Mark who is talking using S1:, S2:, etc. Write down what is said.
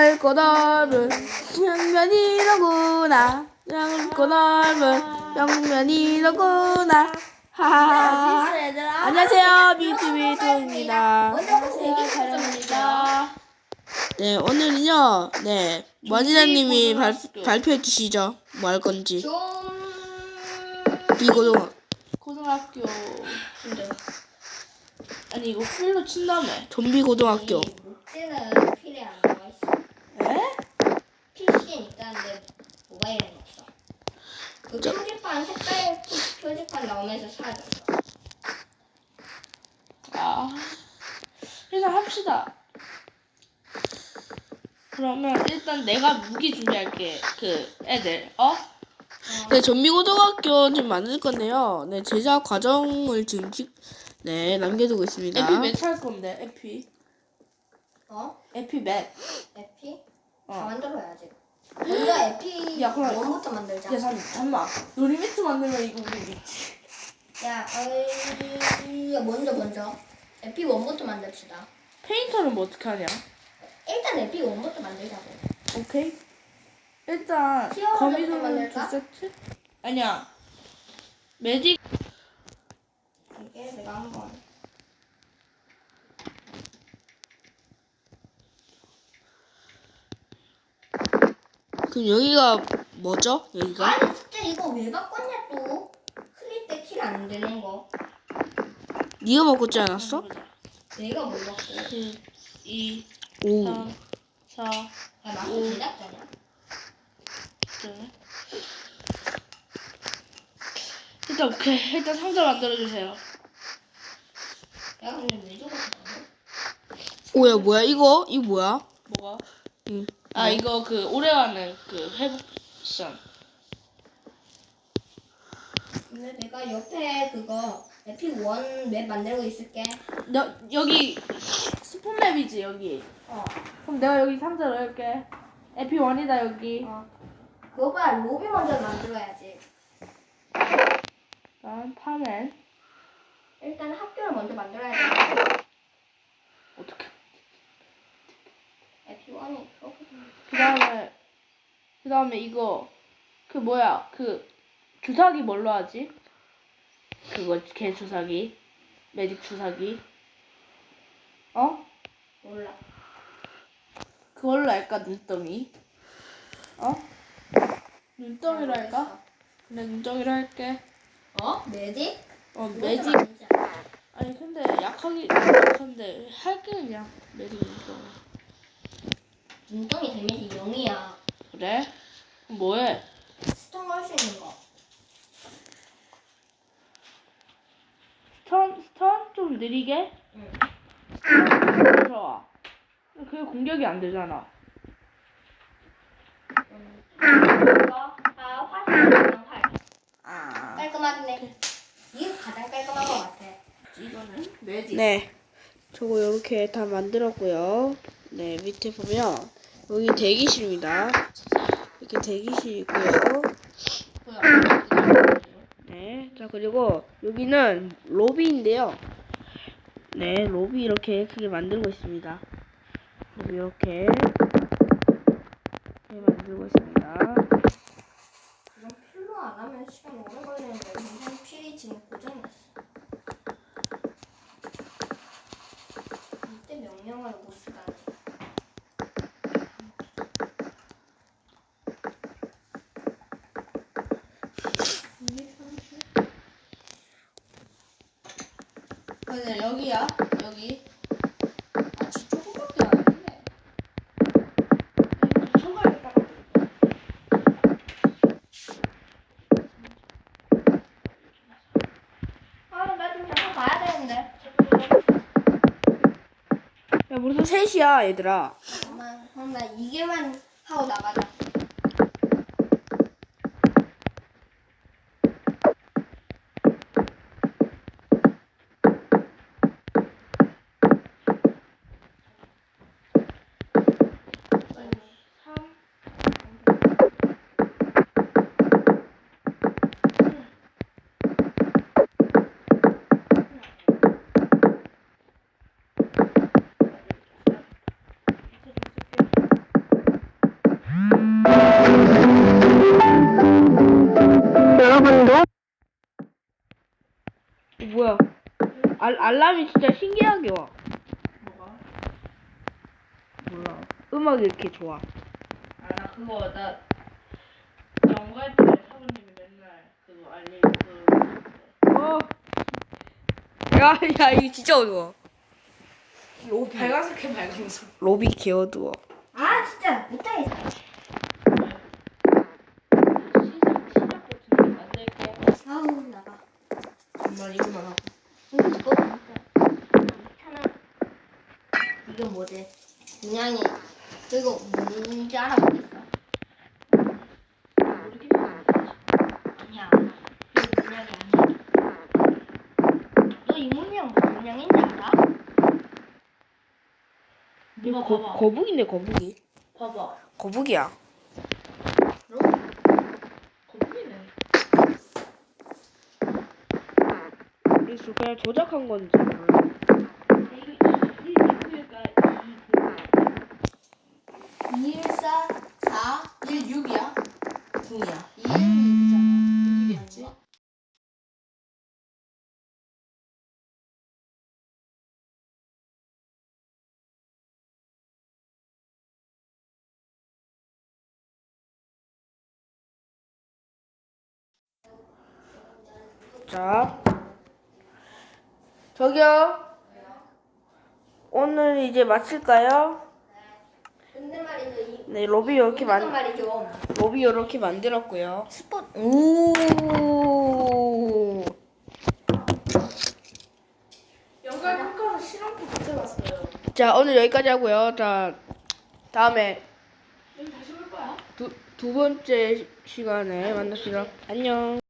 S1: 얇고 넓은 평면이로구나. 얇고 넓은 평면이로구나. 하하하. 안녕하세요, 뮤트비트입니다.
S2: 안녕하세요, 자령입니다.
S1: 네, 오늘은요, 네, 머니나님이 발표해 주시죠. 뭐 할 건지.
S2: 고등학교 아니 이거 풀로 친다며.
S1: 좀비 고등학교.
S3: 목재는 필에 안 나와 있어.
S2: 에?
S3: PC엔 있다는데 모바일에는 없어. 그 표지판 색깔 표지판 나오면서 사라졌어.
S2: 아, 일단 합시다. 그러면 일단 내가 무기 준비할게. 그 애들
S1: 네, 좀비 고등학교 지금 만들 건데요. 네, 제작 과정을 지금 네, 남겨두고 있습니다.
S2: 에피 몇 할 건데?
S3: 어?
S2: 에피 몇?
S3: 에피?
S2: 어.
S3: 다 만들어야지. 먼저 에피
S2: 야, 그럼-
S3: 원부터 만들자.
S2: 야 잠깐만. 너 리미트 만들면 이거 우리 미치.
S3: 야, 먼저 에피 원부터 만듭시다.
S2: 페인터는 뭐 어떻게 하냐?
S3: 일단 에피 원부터 만들자고.
S2: 오케이. 일단
S3: 히어로
S2: 거미줄
S3: 제품
S2: 두
S3: 만들까?
S2: 세트? 아니야. 매직
S3: 이게 내가 한번.
S1: 그럼 여기가 뭐죠? 여기가?
S3: 아니 진짜 이거 왜 바꿨냐 또? 클릭 때 킬 안 되는 거.
S1: 네가 바꿨지 않았어?
S3: 내가 뭘 바꿔?
S2: 2,
S1: 오.
S2: 3, 4,
S3: 야, 마크 제작자냐?
S2: 일단 오케이. 일단 상자 만들어주세요.
S3: 야, 근데 왜 저거
S1: 오야, 뭐야, 이거? 이거 뭐야?
S2: 뭐가?
S1: 응.
S2: 아 이거 그 오래가는 그 회복션.
S3: 근데 내가 옆에 그거 에픽 원맵 만들고 있을게.
S2: 여기 스폰맵이지 여기. 그럼 내가 여기 상자 넣을게. 에피 원이다 여기.
S3: 그거보다 로비 먼저 만들어야지.
S2: 다음 파맨.
S3: 일단 학교를 먼저 만들어야 돼.
S2: 어떻게?
S3: 에픽 원이
S2: 그다음에 이거 그 뭐야 그 주사기 뭘로 하지? 그거 개 주사기. 매직 주사기.
S3: 몰라.
S2: 그걸로 할까 눈덩이? 눈덩이로 할까? 그래 눈덩이로 할게.
S3: 매직?
S2: 매직. 아니 근데 약한데 할게 그냥 매직 눈덩이.
S3: 눈덩이 데미지 0이야.
S2: 그래? 그럼 뭐해?
S3: 스톤 걸 수 있는 거.
S2: 스턴 좀 느리게?
S3: 응.
S2: 좋아. 그게 공격이 안 되잖아.
S3: 이거 화살이랑 활.
S2: 아.
S3: 깔끔하네. 이게 가장 깔끔한 것 같아.
S2: 이거는 매직.
S1: 네. 저거 이렇게 다 만들었고요. 네, 밑에 보면 여기 대기실입니다. 이렇게 대기실 있고요. 네. 자, 그리고 여기는 로비인데요. 네, 로비 이렇게 크게 만들고 있습니다. 로비 이렇게 만들고 있습니다.
S3: 이건 필로 안 하면 시간 오래 걸리는데 우선 필이 지금 고장났어. 이때 명령을 못 쓰다니.
S2: 근데 여기야 여기. 아 진짜 조금밖에 안 했네. 초벌을 딱.
S3: 나 좀 잠깐 봐야 되는데.
S1: 야, 무슨 셋이야, 얘들아.
S3: 잠깐만, 그럼 나 2개만 하고 나가자.
S1: 알람이 진짜 신기하게 와.
S2: 뭐가?
S1: 몰라. 음악이 이렇게 좋아.
S2: 아, 나 그거 나 연구할 때 사부님이 맨날 그거 알림
S1: 어. 야, 이거 진짜 어두워. 로비.
S2: 빨간색해 빨간색.
S1: 로비 개 어두워.
S3: 아 진짜 못하겠어.
S2: 시작 버튼 만들게.
S3: 아우 나가.
S2: 정말 이거만 하고.
S3: 이거 진짜 귀찮아. 이건 뭐지? 문양이 이거 뭔지 알아보겠어.
S2: 모르겠는데.
S3: 아니야. 이거 문양이 아니야. 너 이 문양 무슨 문양인지 알아?
S2: 이거 봐봐.
S1: 거북이네, 거북이.
S2: 봐봐.
S1: 거북이야.
S3: 그럼
S2: 거북이네.
S1: 그래서 그냥 조작한 건지 몰라.
S2: 이거
S3: 2, 1, 4, 4,
S2: 1 6이야? 9이야.
S3: 2, 1,
S2: 6이겠지?
S1: 자, 저기요. 오늘 이제 마칠까요?
S3: 근데 말이죠.
S1: 네, 로비 이렇게
S3: 말이죠.
S1: 로비 이렇게 만들었고요.
S3: 스포
S1: 오.
S2: 연구할 평가서 실험도 못 해봤어요.
S1: 자, 오늘 여기까지 하고요. 자, 다음에
S2: 여기 다시 볼 거야?
S1: 두 번째 시간에 만납시다. 안녕.